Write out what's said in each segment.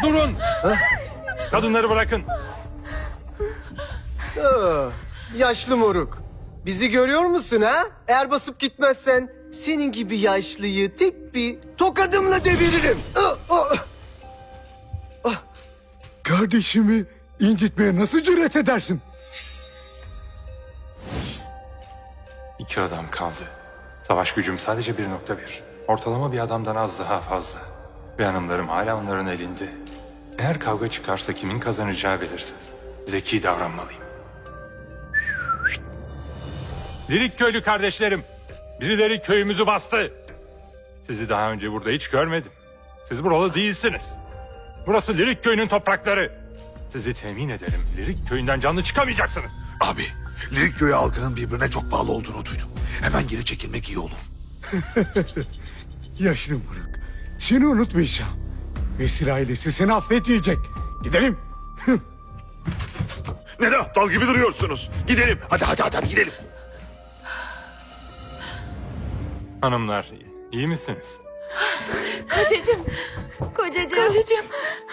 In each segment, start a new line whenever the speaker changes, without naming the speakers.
Durun! Kadınları bırakın.
Yaşlı moruk. Bizi görüyor musun ha? Eğer basıp gitmezsen senin gibi yaşlıyı tek bir tokadımla deviririm.
Kardeşimi incitmeye nasıl cüret edersin?
2 adam kaldı. Savaş gücüm sadece 1.1. Ortalama bir adamdan az daha fazla. Ve hanımlarım hala onların elinde. Eğer kavga çıkarsa kimin kazanacağı belirsiz. Zeki davranmalıyım. Lirik köylü kardeşlerim. Birileri köyümüzü bastı. Sizi daha önce burada hiç görmedim. Siz buralı değilsiniz. Burası Lirik köyünün toprakları. Sizi temin ederim. Lirik köyünden canlı çıkamayacaksınız.
Abi, Lirik köyü halkının birbirine çok bağlı olduğunu duydum. Hemen geri çekilmek iyi olur.
Yaşlı moruk. Seni unutmayacağım. Vesil ailesi seni affetmeyecek. Gidelim.
Neden aptal gibi duruyorsunuz? Gidelim. Hadi gidelim.
Hanımlar, iyi misiniz?
Kocacığım. Kocacığım.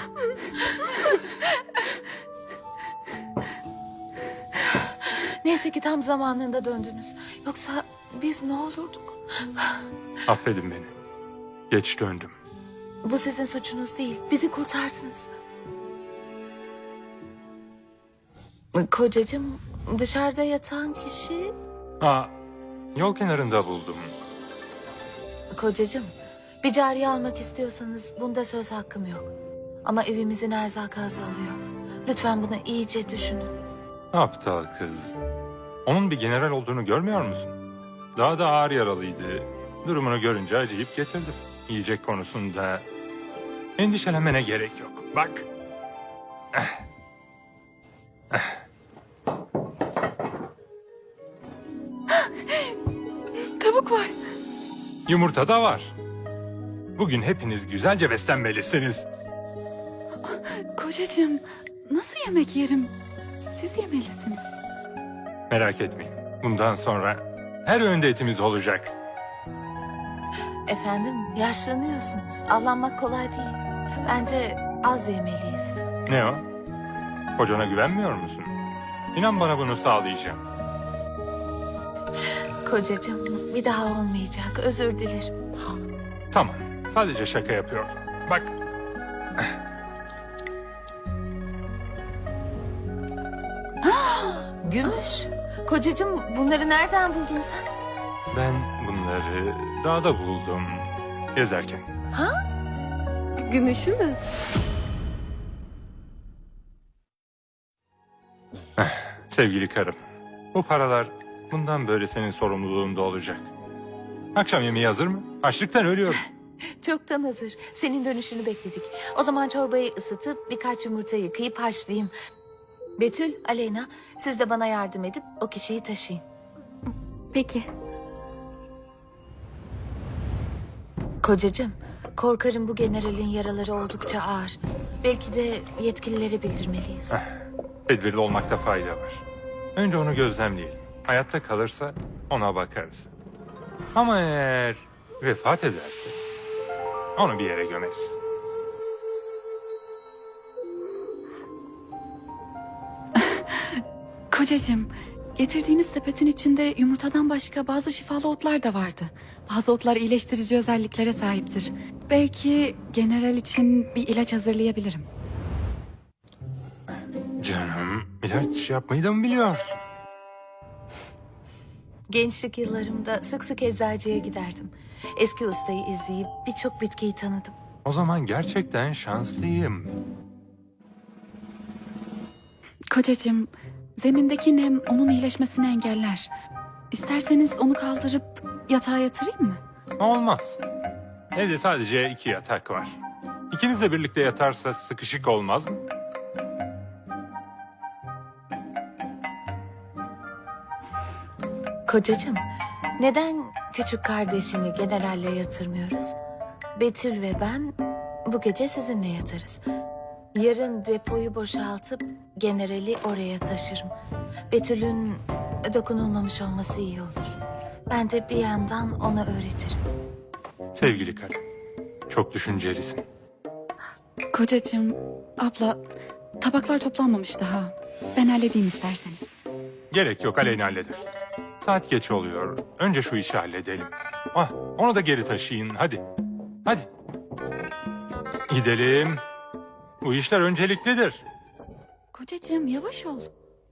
Neyse ki tam zamanında döndünüz. Yoksa biz ne olurduk?
Affedin beni. Geç döndüm.
Bu sizin suçunuz değil. Bizi kurtardınız. Kocacığım, dışarıda yatan kişi...
Yol kenarında buldum.
Kocacığım, bir cariye almak istiyorsanız bunda söz hakkım yok. Ama evimizin erzakı azalıyor. Lütfen bunu iyice düşünün.
Aptal kız. Onun bir general olduğunu görmüyor musun? Daha da ağır yaralıydı. Durumunu görünce acıyıp getirdim. Yiyecek konusunda endişelenmene gerek yok. Bak.
Tavuk var.
Yumurta da var. Bugün hepiniz güzelce beslenmelisiniz.
Kocacığım, nasıl yemek yerim? Siz yemelisiniz.
Merak etmeyin. Bundan sonra her öğünde etimiz olacak.
Efendim, yaşlanıyorsunuz. Avlanmak kolay değil. Bence az yemeliyiz.
Ne o? Kocana güvenmiyor musun? İnan bana bunu sağlayacağım.
Kocacığım, bir daha olmayacak. Özür dilerim.
Tamam. Sadece şaka yapıyordum. Bak.
Gümüş. Kocacığım, bunları nereden buldun sen?
Ben bunları dağda buldum. Gezerken.
Gümüşü mü?
Sevgili karım. Bu paralar bundan böyle senin sorumluluğunda olacak. Akşam yemeği hazır mı? Açlıktan ölüyorum.
Çoktan hazır. Senin dönüşünü bekledik. O zaman çorbayı ısıtıp birkaç yumurta yıkayıp haşlayayım. Betül, Aleyna, siz de bana yardım edip o kişiyi taşıyın.
Peki.
Kocacığım, korkarım bu generalin yaraları oldukça ağır. Belki de yetkililere bildirmeliyiz.
Tedbirli olmakta fayda var. Önce onu gözlemleyelim. Hayatta kalırsa ona bakarız. Ama eğer vefat ederse onu bir yere gömeriz.
Kocacığım, getirdiğiniz sepetin içinde yumurtadan başka bazı şifalı otlar da vardı. Bazı otlar iyileştirici özelliklere sahiptir. Belki general için bir ilaç hazırlayabilirim.
Canım, ilaç yapmayı da mı biliyorsun?
Gençlik yıllarımda sık sık eczacıya giderdim. Eski ustayı izleyip birçok bitkiyi tanıdım.
O zaman gerçekten şanslıyım.
Kocacığım, zemindeki nem onun iyileşmesini engeller. İsterseniz onu kaldırıp yatağa yatırayım mı?
Olmaz. Evde sadece 2 yatak var. İkiniz de birlikte yatarsa sıkışık olmaz mı?
Kocacığım, neden küçük kardeşimi generalle yatırmıyoruz? Betül ve ben bu gece sizinle yatarız. Yarın depoyu boşaltıp generali oraya taşırım. Betül'ün dokunulmamış olması iyi olur. Ben de bir yandan ona öğretirim.
Sevgili karım, çok düşüncelisin.
Kocacığım, abla, tabaklar toplanmamış daha. Ben halledeyim isterseniz.
Gerek yok, Aleyna halleder. Saat geç oluyor. Önce şu işi halledelim. Ah, onu da geri taşıyın. Hadi. Hadi. Gidelim. Bu işler önceliklidir.
Kocacığım, yavaş ol.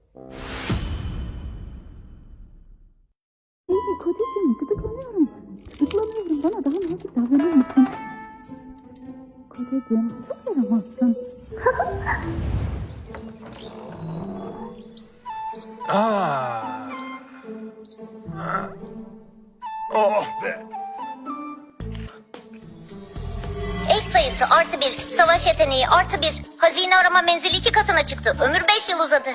Kocacığım, gıdıklanıyorum. Gıdıklanıyorum. Bana daha nazik davranır mısın? Kocacığım, çok yaramazsın.
Aa. Oh be.
Eş sayısı +1, savaş yeteneği +1, hazine arama menzili 2 katına çıktı. Ömür 5 yıl uzadı.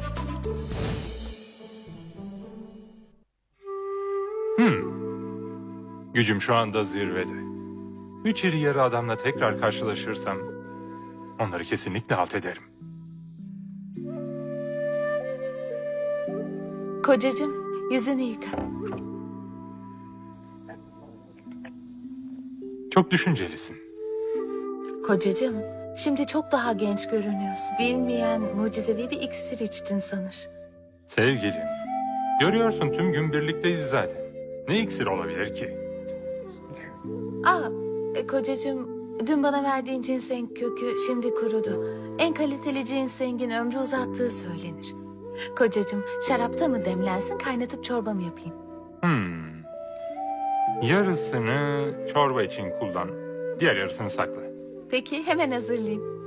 Gücüm şu anda zirvede. 3 iri yarı adamla tekrar karşılaşırsam onları kesinlikle alt ederim.
Kocacığım, yüzünü yıka.
Çok düşüncelisin.
Kocacığım, şimdi çok daha genç görünüyorsun. Bilmeyen mucizevi bir iksir içtin sanır.
Sevgilim, görüyorsun tüm gün birlikteyiz zaten. Ne iksir olabilir ki?
Kocacığım, dün bana verdiğin ginseng kökü şimdi kurudu. En kaliteli ginsengin ömrü uzattığı söylenir. Kocacığım, şarapta mı demlensin, kaynatıp çorba mı yapayım?
Yarısını çorba için kullan. Diğer yarısını sakla.
Peki, hemen hazırlayayım.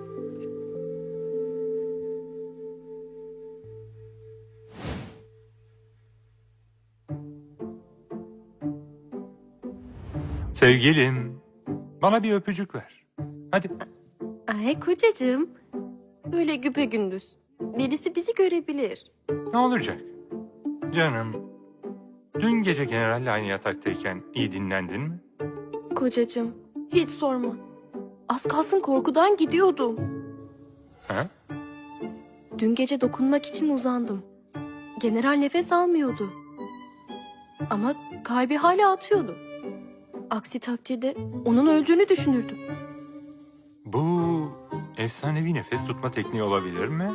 Sevgilim, bana bir öpücük ver. Hadi.
Ay kocacığım. Böyle güpegündüz. Birisi bizi görebilir.
Ne olacak? Canım, dün gece generalle aynı yataktayken iyi dinlendin mi?
Kocacığım, hiç sorma. Az kalsın korkudan gidiyordum.
Ha?
Dün gece dokunmak için uzandım. General nefes almıyordu. Ama kalbi hala atıyordu. Aksi takdirde onun öldüğünü düşünürdüm.
Bu efsanevi nefes tutma tekniği olabilir mi?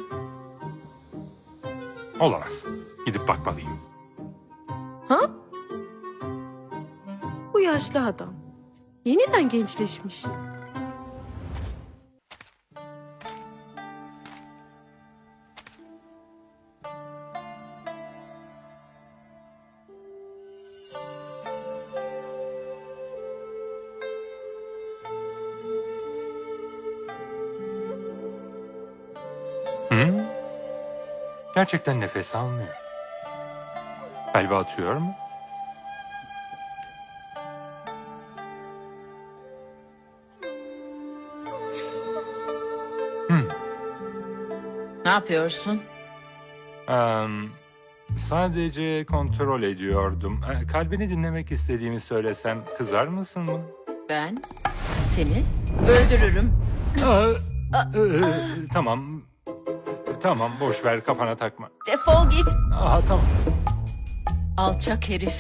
Olamaz. Gidip bakmalıyım.
Ha? Bu yaşlı adam. Yeniden gençleşmiş.
Hı? Gerçekten nefes almıyor. Kalbi atıyor mu?
Ne yapıyorsun?
Sadece kontrol ediyordum. Kalbini dinlemek istediğimi söylesem kızar mısın buna?
Ben seni öldürürüm.
Tamam. Tamam, boş ver, kafana takma.
Defol git.
Aha, tamam.
Alçak herif.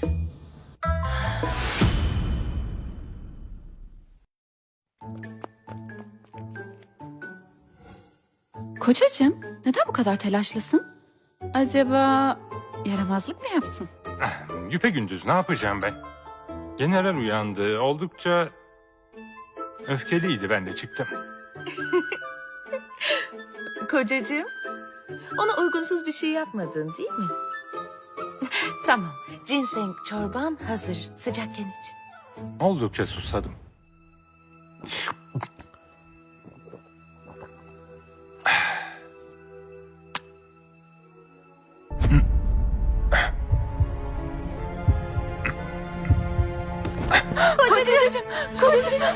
Kocacığım, neden bu kadar telaşlısın? Acaba yaramazlık mı yaptın?
Güpegündüz ne yapacağım ben? General uyandı. Oldukça öfkeliydi, ben de çıktım.
Kocacığım, ona uygunsuz bir şey yapmadın değil mi? Tamam, ginseng çorban hazır, sıcakken iç.
Oldukça susadım.
Kocacığım, kocacığım.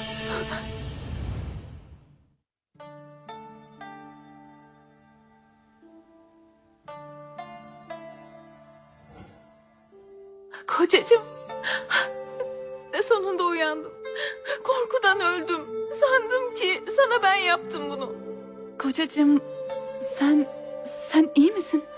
Kocacığım, sonunda uyandım. Korkudan öldüm. Sandım ki sana ben yaptım bunu.
Kocacığım, sen iyi misin?